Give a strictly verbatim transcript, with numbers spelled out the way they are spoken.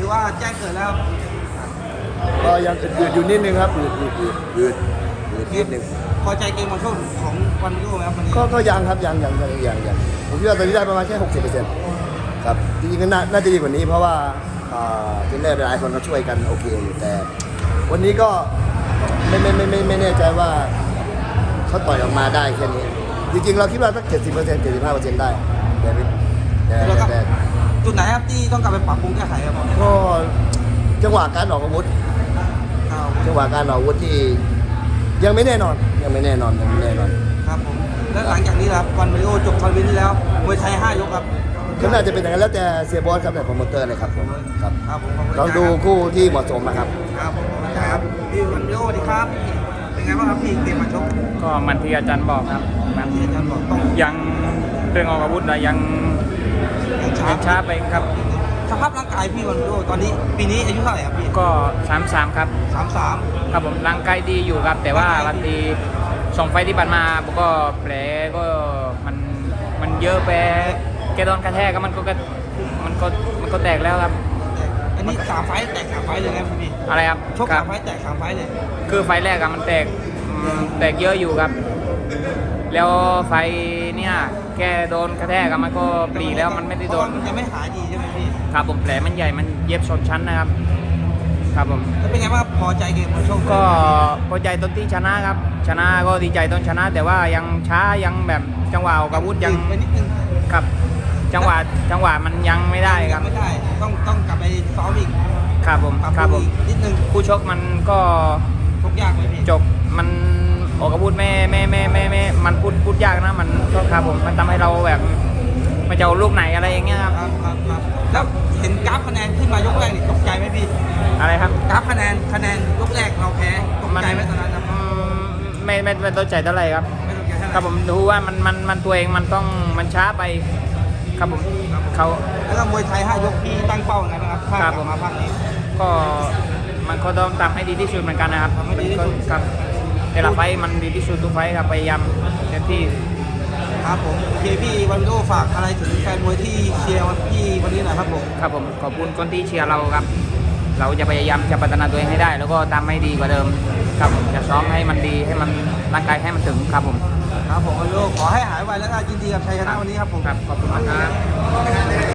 ว่าแจ้งเกิดแล้วก็ยังอืดๆอยู่นิดนึงครับอืดอืดอืดอืดอืดนิดนึงพอใจเกมบอลโชคของวันมิโอไหมครับวันนี้ก็ก็ยังครับยังยังยังยังยังผมคิดว่าตอนนี้ได้ประมาณแค่หกสิบเปอร์เซ็นต์ครับจริงๆก็น่าน่าจะดีกว่านี้เพราะว่าทีมเนอร์หลายคนก็ช่วยกันโอเคอยู่แต่วันนี้ก็ไม่ไม่ไม่ไม่ไม่แน่ใจว่าเขาต่อยออกมาได้แค่นี้จริงๆเราคิดว่าสักเจ็ดสิบเปอร์เซ็นต์เจ็ดสิบห้าเปอร์เซ็นต์ได้แต่แต่แล้วก็แต่จุดไหนครับที่ต้องกลับไปปรับปรุงแก้ไขครับผมก็จังหวะการออกอาวุธครับจังหวะการออกอาวุธที่ยังไม่แน่นอนยังไม่แน่นอนยังไม่แน่นอนครับผมแล้วหลังจากนี้ครับวันมิโอจบทัวร์นาเมนต์ที่แล้วมวยไทยห้ายกครับก็น่าจะเป็นอย่างนั้นแล้วแต่เสียบอสครับแต่โปรโมเตอร์เลยครับผมครับครับผมขอบคุณลองดูคู่ที่เหมาะสมนะครับครับผมขอบคุณครับพี่วันมิโอสวัสดีครับเป็นไงบ้างครับพี่เกมมาชกก็มันที่อาจารย์บอกครับมันที่อาจารย์บอกต้องยังเรื่องออกอาวุธนะยังยังช้ายังช้าไปครับสภาพร่างกายพี่วันมิโอตอนนี้ปีนี้อายุเท่าไหร่ครับพี่ก็สามสามครับสามสามครับผมร่างกายดีอยู่ครับ แต่ว่าวันทีสองไฟล์ที่ผ่านมาผมก็แผลก็มันมันเยอะไปแกโดนกระแทกก็มันก็กระมันก็มันก็แตกแล้วครับอันนี้สามไฟต์แตกสามไฟต์เลยครับพี่อะไรครับชกครัสาบมไฟต์แตกสามไฟต์เลยคือไฟล์แรกอะมันแตกอืมแตกเยอะอยู่ครับ แล้วไฟล์เนี่ยแกโดนกระแทกอะมันก็ปรีแล้วมันไม่ได้โดนมันยังไม่หายดีใช่ไหมพี่ครับผมแผลมันใหญ่มันเย็บชนชั้นนะครับ ครับผมแล้วเป็นไงบ้างครับพอใจเกมมาชกก็พอใจตอนที่ชนะครับ ชนะก็ดีใจตอนชนะ แต่ว่ายังช้ายังแบบจังหวะออกอาวุธยังไปนิดนึงครับ จังหวะจังหวะมันยังไม่ได้ครับไม่ได้ต้องต้องกลับไปซ้อมอีกครับผมปรับครับปผรุงมอีกนิดนึงคู่ชกมันก็ชกยากไหมพี่จบมันออกอาวุธไม่ไม่ไม่ไม่ไม่มันพูดพูดยากนะมันก็ครับผมมันทำให้เราแบบมันจะเอาลูกไหนอะไรอย่างเงี้ยครับครับครับครับแล้วเห็นกราฟคะแนนขึ้นมายกแรกนี่ตกใจไหมพี่อะไรครับกราฟคะแนนคะแนนยกแรกเราแพ้ตกใจไหมตอนนั้นครับอืมไม่ไม่ไม่ต้นใจเท่าไหร่ครับไม่ตกใจเท่าไหครับผมดูว่ามันมันมันตัวเองมันต้องมันช้าไปครับผมเขาแล้วก็มวยไทยห้ายกพี่ตั้งเป้าไงบ้างครับถ้ากครัลับบ ผมมาภาคนี้ก็มันก็ต้องทำให้ดีที่สุดเหมือนกันนะครับทำให้ดีที่สุดมันก็ครับแต่ละไฟต์มันดีที่สุดทุกไฟต์ครับพยายามเต็มที่ครับผมโอเคพี่วันวิโดฝากอะไรถึงแฟนมวยที่เชียร์พี่วันนี้หน่อยครับผมครับผมขอบคุณคนที่เชียร์เราครับ เราจะพยายามจะพัฒนาตัวเองให้ได้ แล้วก็ทำให้ดีกว่าเดิมครับผมจะซ้อมให้มันดีให้มันร่างกายให้มันถึงครับผมครับผมวันวิโดขอให้หายไวแล้วก็ยินดีกับชัยชนะวันนี้ครับผมครับขอบคุณมากครับ